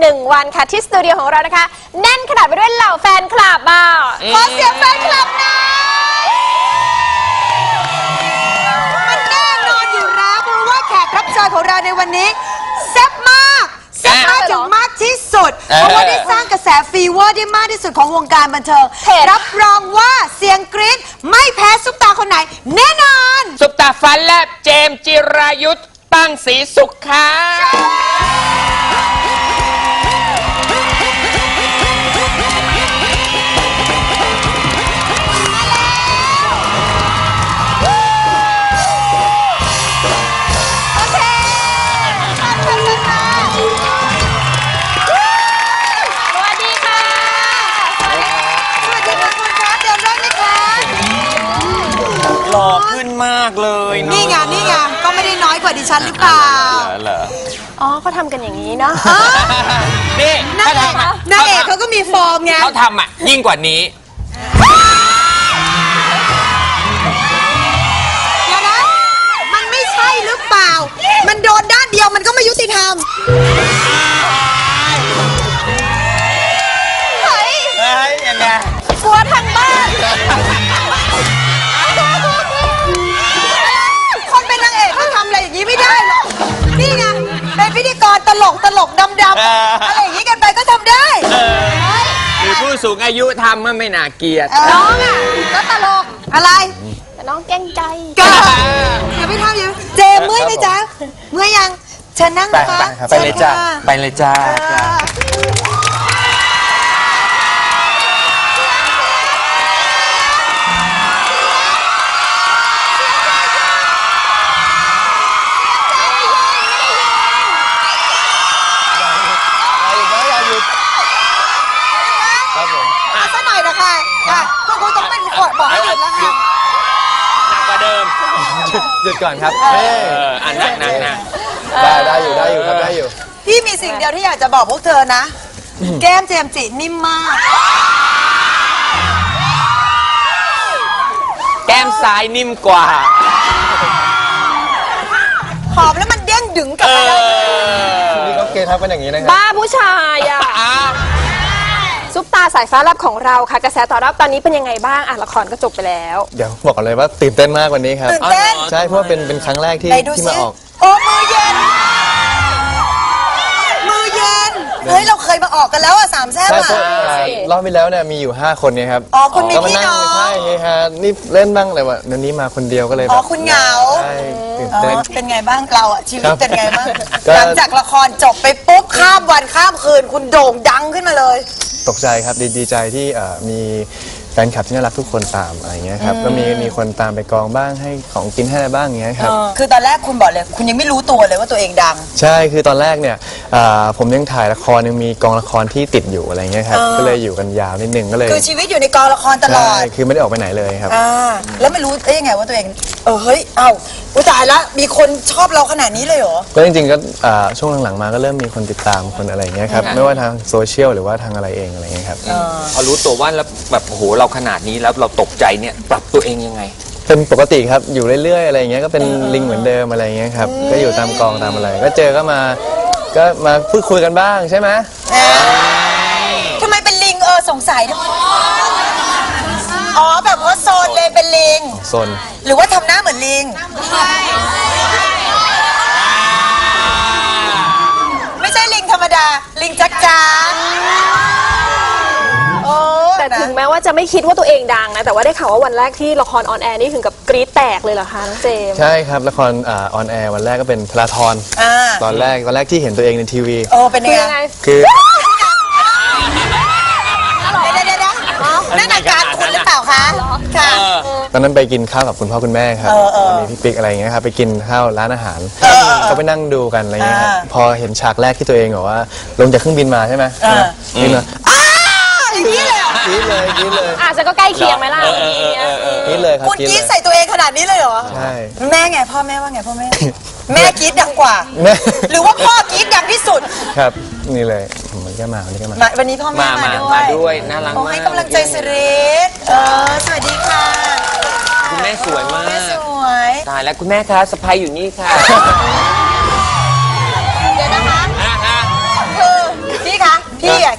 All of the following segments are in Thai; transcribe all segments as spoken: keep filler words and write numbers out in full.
หนึ่งวันค่ะที่สตูดิโอของเรานะคะแน่นขนาดไปด้วยเหล่าแฟนคลับอ่ะขอเสียงแฟนคลับหน่อยมันแน่นอนอยู่แล้วเพราะว่าแขกรับเชิญของเราในวันนี้แซ่บมากแซ่บมากถึงมากที่สุดเพราะว่าได้สร้างกระแสฟีเวอร์ได้มากที่สุดของวงการบันเทิงรับรองว่าเสียงกรี๊ดไม่แพ้ซุปตาคนไหนแน่นอนซุปตาฟันแลบเจมส์จิรายุทธตั้งศรีสุขค่ะหล่อขึ้นมากเลยนี่ไงนี่ไงก็ไม่ได้น้อยกว่าดิฉันหรือเปล่าเหรออ๋อเขาทำกันอย่างนี้เนาะนี่นางเอกนางเอกเขาก็มีฟอร์มไงเขาทำอ่ะยิ่งกว่านี้เดี๋ยวนะมันไม่ใช่หรือเปล่ามันโดนด้านเดียวมันก็ไม่ยุติธรรมเฮ้ยเฮ้ยยังไงกลัวทางบ้านคนเป็นนางเอกเขาทำอะไรอย่างนี้ไม่ได้หรอกนี่ไงเป็นพิธีกรตลกตลกดำดำอะไรอย่างนี้กันไปก็ทำได้หรือผู้สูงอายุทำมันไม่น่าเกลียดน้องอ่ะก็ตลกอะไรแต่น้องแกล้งใจก็อย่าไปทำอย่างเจเมื่อยไหมจ๊ะเมื่อยยังเชิญนั่งนะคะไปเลยจ้าไปเลยจ้าสักหน่อยนะคะค่ะก็คงต้องเป็นขอดบอกให้หยุดแล้วค่ะหนักกว่าเดิมหยุดก่อนครับเอออันหนักหนักนะได้ได้อยู่ได้อยู่ครับได้อยู่พี่มีสิ่งเดียวที่อยากจะบอกพวกเธอนะแก้มเจมส์จินิ่มมากแก้มซ้ายนิ่มกว่าหอมแล้วมันเด้งดึงกลับมาเลยนี่เขาเกทับกันอย่างนี้นะครับบ้าผู้ชายอ่ะซุปตาสายฟ้าแลบของเราค่ะกระแสตอบรับตอนนี้เป็นยังไงบ้างอ่ะละครก็จบไปแล้วเดี๋ยวบอกเลยว่าตื่นเต้นมากวันนี้ครับตื่นเต้นใช่เพราะเป็นเป็นครั้งแรกที่ที่มาออกโอ้มือเย็นมือเย็นเฮ้ยเราเคยมาออกกันแล้วอ่ะสามแซ่บอ่ะรอบไปแล้วเนี่ยมีอยู่ห้าคนเนี่ยครับอ๋อคุณมีพี่น้องใช่ฮะนี่เล่นบ้างเลยว่ะเดี๋ยวนี้มาคนเดียวก็เลยอ๋อคุณเหงาใช่ตื่นเต้นเป็นไงบ้างเราอ่ะชีวิตเป็นไงบ้างหลังจากละครจบไปปุ๊บข้ามวันข้ามคืนคุณโด่งดังขึ้นมาเลยตกใจครับดีดีใจที่มีแฟนคลับที่น่ารักทุกคนตามอะไรเงี้ยครับก็มีมีคนตามไปกองบ้างให้ของกินให้อะไรบ้างเงี้ยครับคือตอนแรกคุณบอกเลยคุณยังไม่รู้ตัวเลยว่าตัวเองดังใช่คือตอนแรกเนี่ยผมยังถ่ายละครยังมีกองละครที่ติดอยู่อะไรเงี้ยครับก็เลยอยู่กันยาวนิดนึงก็เลยคือชีวิตอยู่ในกองละครตลอดใช่คือไม่ได้ออกไปไหนเลยครับแล้วไม่รู้ได้ยังไงว่าตัวเองเออเฮ้ยเอ้าอุ้ยตายละมีคนชอบเราขนาดนี้เลยเหรอก็จริงๆก็ช่วงหลังๆมาก็เริ่มมีคนติดตามคนอะไรเงี้ยครับไม่ว่าทางโซเชียลหรือว่าทางอะไรเองอะไรเงี้ยครับพอรู้ตัวว่าแล้วแบบโหเราขนาดนี้แล้วเราตกใจเนี่ยปรับตัวเองยังไงเป็นปกติครับอยู่เรื่อยๆอะไรเงี้ยก็เป็นลิงเหมือนเดิมอะไรเงี้ยครับก็อยู่ตามกองตามอะไรก็เจอก็มาก็มาพูดคุยกันบ้างใช่ไหมทำไมเป็นลิงเออสงสัยทำไมอ๋อแบบว่าโซนเลยเป็นลิงโซนหรือว่าทำหน้าเหมือนลิงไม่ใช่ลิงธรรมดาลิงจักจ้าแต่ถึงแม้ว่าจะไม่คิดว่าตัวเองดังนะแต่ว่าได้ข่าวว่าวันแรกที่ละครออนแอร์นี่ถึงกับกรี๊ดแตกเลยเหรอคะน้องเจมส์ใช่ครับละครออนแอร์วันแรกก็เป็นธราธรตอนแรกตอนแรกที่เห็นตัวเองในทีวีโอ้เป็นยังไงคือเดี๋ยวเดี๋ยวนั่นอาการคุณหรือเปล่าคะค่ะตอนนั้นไปกินข้าวกับคุณพ่อคุณแม่ครับมีพี่ปิ๊กอะไรอย่างเงี้ยครับไปกินข้าวร้านอาหารก็ไปนั่งดูกันอะไรเงี้ยครับพอเห็นฉากแรกที่ตัวเองบอกว่าลงจากเครื่องบินมาใช่ไหมบินมาอย่างนี้เลยกินเลยกินเลยอาจจะก็ใกล้เคียงไหมล่ะกินเลยครับคุณกินใส่ตัวเองขนาดนี้เลยเหรอใช่แม่ไงพ่อแม่ว่าไงพ่อแม่แม่กินดังกว่าหรือว่าพ่อกินดังที่สุดครับนี่เลยมันก็มาวันนี้ก็มาวันนี้พ่อแม่มาด้วยมาด้วยน่ารักมากให้กำลังใจสิริเออสวัสดีค่ะคุณแม่สวยมากแม่สวยตายแล้วคุณแม่คะสะพายอยู่นี่ค่ะเดี๋ยวนะคะคือพี่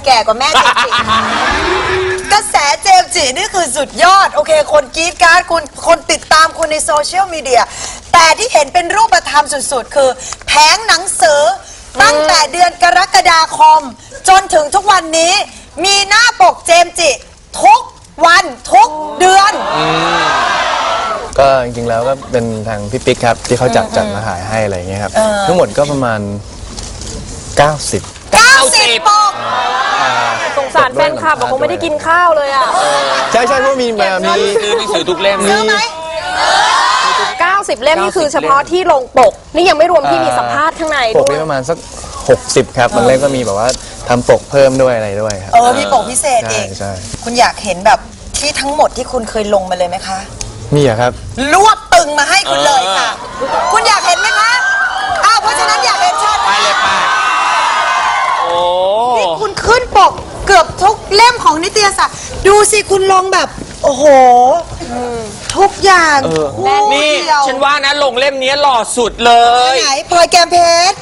แก่กว่าแม่เจมส์จิกระแสเจมส์จินี่คือสุดยอดโอเคคนกรี๊ดกราร์ดคุณคนติดตามคุณในโซเชียลมีเดียแต่ที่เห็นเป็นรูปธรรมสุดๆคือแผงหนังสือตั้งแต่เดือนกรกฎาคมจนถึงทุกวันนี้มีหน้าปกเจมส์จิทุกวันทุกเดือนก็จริงๆแล้วก็เป็นทางพี่ปิ๊กครับที่เขาจัดจัดมาขายให้อะไรอย่างเงี้ยครับทั้งหมดก็ประมาณ เก้าสิบเก้าสิบปกสงสารแฟนคลับบอกคงไม่ได้กินข้าวเลยอ่ะใช่ใช่เพราะมีมามีซื้อหนังสือทุกเล่มซื้อไหมเก้าสิบ เล่มนี่คือเฉพาะที่ลงปก นี่ยังไม่รวมที่มีสัมภาษณ์ข้างในปกด้วยนี่ประมาณสักหกสิบครับบางเล่มก็มีแบบว่าทำปกเพิ่มด้วยอะไรด้วยครับเออมีปกพิเศษใช่เองใช่คุณอยากเห็นแบบที่ทั้งหมดที่คุณเคยลงมาเลยไหมคะมีอะครับรวบตึงมาให้คุณเลยค่ะ คุณอยากเห็นไหมคะอ้าวเพราะฉะนั้นอยากเห็นเชิญไปเลยไปโอ้นี่คุณขึ้นปกเกือบทุกเล่มของนิตยสารดูสิคุณลงแบบ โอ้โหทุกอย่างคู่นี่เดียวฉันว่านะลงเล่มนี้หล่อสุดเลยไหนพลอยแกมเพชร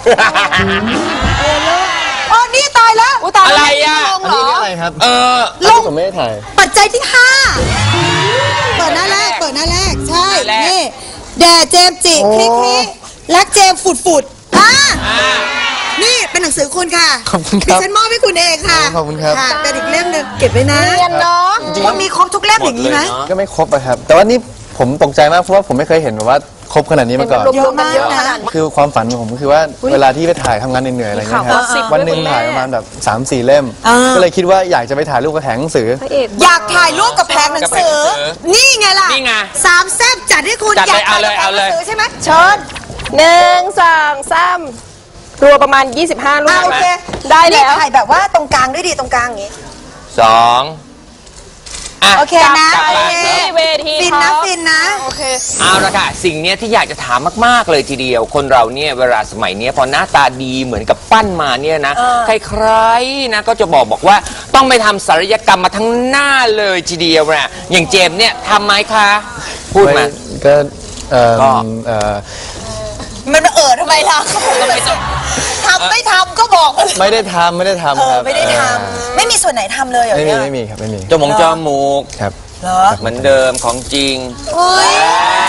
อ๋อนี่ตายแล้วอุ๊ยตายอะไรอะลงเหรออะไรครับเออลงผมไม่ได้ถ่ายปัจจัยที่ห้าเปิดหน้าแรกเปิดหน้าแรกใช่หน้าแรกนี่แด่เจมส์จิคลิกนี้รักเจมส์ฝุดฝุดๆอ่าอ่านี่เป็นหนังสือคุณค่ะขอบคุณครับดิฉันมอบให้คุณเองค่ะขอบคุณครับะเป็นอีกเล่มหนึ่งเก็บไว้นะเรียนเนาะว่ามีครบทุกเล่มอย่างนี้ไหมหมดเลยเนอะก็ไม่ครบอะครับ แต่ว่านี่ผมตกใจมากเพราะว่าผมไม่เคยเห็นแบบว่าครบขนาดนี้มาก่อนรวมๆกันเยอะขนาดนี้คือความฝันของผมคือว่าเวลาที่ไปถ่ายทำงานเหนื่อยๆอะไรเงี้ยคข่ารัวบสิบวันหนึ่งด้วยคุณแม่ถ่ายประมาณแบบสามสี่เล่มอ่าก็เลยคิดว่าอยากจะไปถ่ายรูปกระแถงหนังสือพระเอกอยากถ่ายรูปกับแผงหนังสือกับแผงหนังสือนี่ไงล่ะนี่ไงสามแซ่บจัดให้คุณจัดอยาเลยกถ่ายกับแผเอางเลยหนังสือเอาเลยใช่ไหมเชิญหนึ่งสองสามรวมประมาณ ยี่สิบห้า รูอ่าปโอเคได้แล้วนี่ถ่ายแบบว่าตรงกลางด้วยดีตรงกลางอย่างนี้สองอ่ะโอเคนะกลับมาโอเคที่เวทีฟินนะท็อปฟินนะโอเคเอาละค่ะ สิ่งเนี้ยที่อยากจะถามมากๆเลยทีเดียว คนเราเนี่ยเวลาสมัยเนี้ยพอหน้าตาดีเหมือนกับปั้นมาเนี่ยนะ ใครๆนะก็จะบอกบอกว่าต้องไปทำศัลยกรรมมาทั้งหน้าเลยทีเดียวนะอย่างเจมส์เนี่ยทำไหมคะ พูดมาก็เอ่อก็เอ่อมันมาเออทำไมล่ะทำไม่ทำก็บอกมาเลยไม่ได้ทำไม่ได้ทำเอคอรับไม่ได้ทำไม่มีส่วนไหนทำเลยเหรอไม่มีเนี่ยไม่มีครับไม่มีจมูกจมูกครับเหรอเหมือนเดิมของจริงเฮ้ย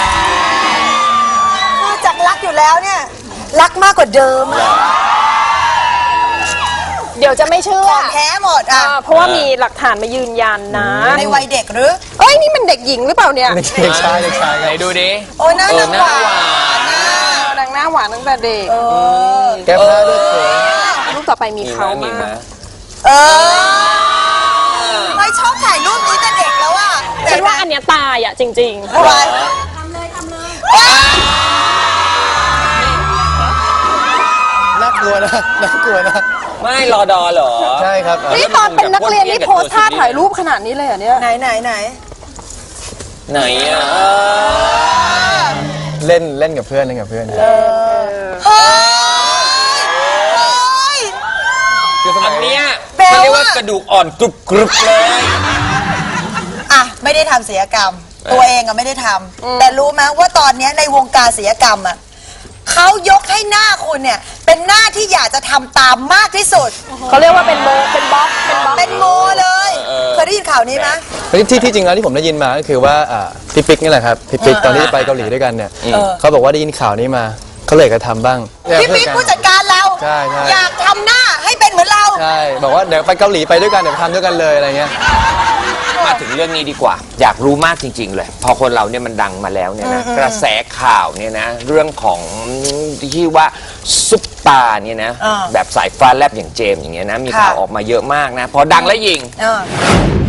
นอกจากรักอยู่แล้วเนี่ย รักมากกว่าเดิมอะเดี๋ยวจะไม่เชื่อของแท้หมดอ่ะอ่าเพราะว่ามีหลักฐานมายืนยันนะในวัยเด็กหรือเอ้ย นี่มันเด็กหญิงหรือเปล่าเนี่ยเด็กชายเด็กชายคไหนรับดูดิโอ้ยน่าเอรัอก หน้าหวาหวานนน่ะดังหน้าหวานตั้งแต่เด็กเออแก้ผ้าด้วยเขินรูปต่อไปมีมีเขาไหมมีไหมมากเออไม่ชอบถ่ายรูปนี้แต่เด็กแล้วอ่ะฉันว่าอันเนี้ยตายอ่ะจริงทำไมน่ากลัวนะน่ากลัวนะไม่รอดอเหรอใช่ครับๆ นี่ตอนเป็นนักเรียนนี่โพสท่าถ่ายรูปขนาดนี้เลยเหรอเนี่ยไหนไหนไหนไหนอ่ะเล่นเล่นกับเพื่อนเล่นกับเพื่อนเฮ้ยเฮ้ยคือสอัมันยเนี้ยแปลว่าเขาเรียกว่ากระดูกอ่อนกรุบกรุบเลยอ่ะไม่ได้ทำศิลปกรรม ตัวเองอะไม่ได้ทำแต่รู้ไหมว่าตอนเนี้ยในวงการศิลปกรรมอะเขายกให้หน้าคุณเนี่ย เป็นหน้าที่อยากจะทำตามมากที่สุดเขาเรียกว่าเป็นโมเป็นบล็อกเป็นบล็อกเป็นโมเลยเคยได้ยินข่าวนี้ไหมเฮ้ยที่ที่จริงแล้วที่ผมได้ยินมาก็คือว่าอ่าพี่ปิ๊กนี่แหละครับพี่ปิ๊กตอนที่ไปเกาหลีด้วยกันเนี่ยเออเขาบอกว่าได้ยินข่าวนี้มาเขาเลยกระทำบ้างพี่ปิ๊กผู้จัดการเราใช่ใช่อยากทำหน้าให้เป็นเหมือนเราใช่บอกว่าเดี๋ยวไปเกาหลีไปด้วยกันเดี๋ยวทำด้วยกันเลยอะไรเงี้ยมาถึงเรื่องนี้ดีกว่า อยากรู้มากจริง ๆ เลย พอคนเราเนี่ยมันดังมาแล้วเนี่ยนะกระแสข่าวเนี่ยนะเรื่องของที่ว่าซุปตาร์เนี่ยนะอ่าแบบสายฟ้าแลบอย่างเจมส์อย่างเงี้ยนะมีค่ะข่าวออกมาเยอะมากนะ พอดังแล้วยิงเออ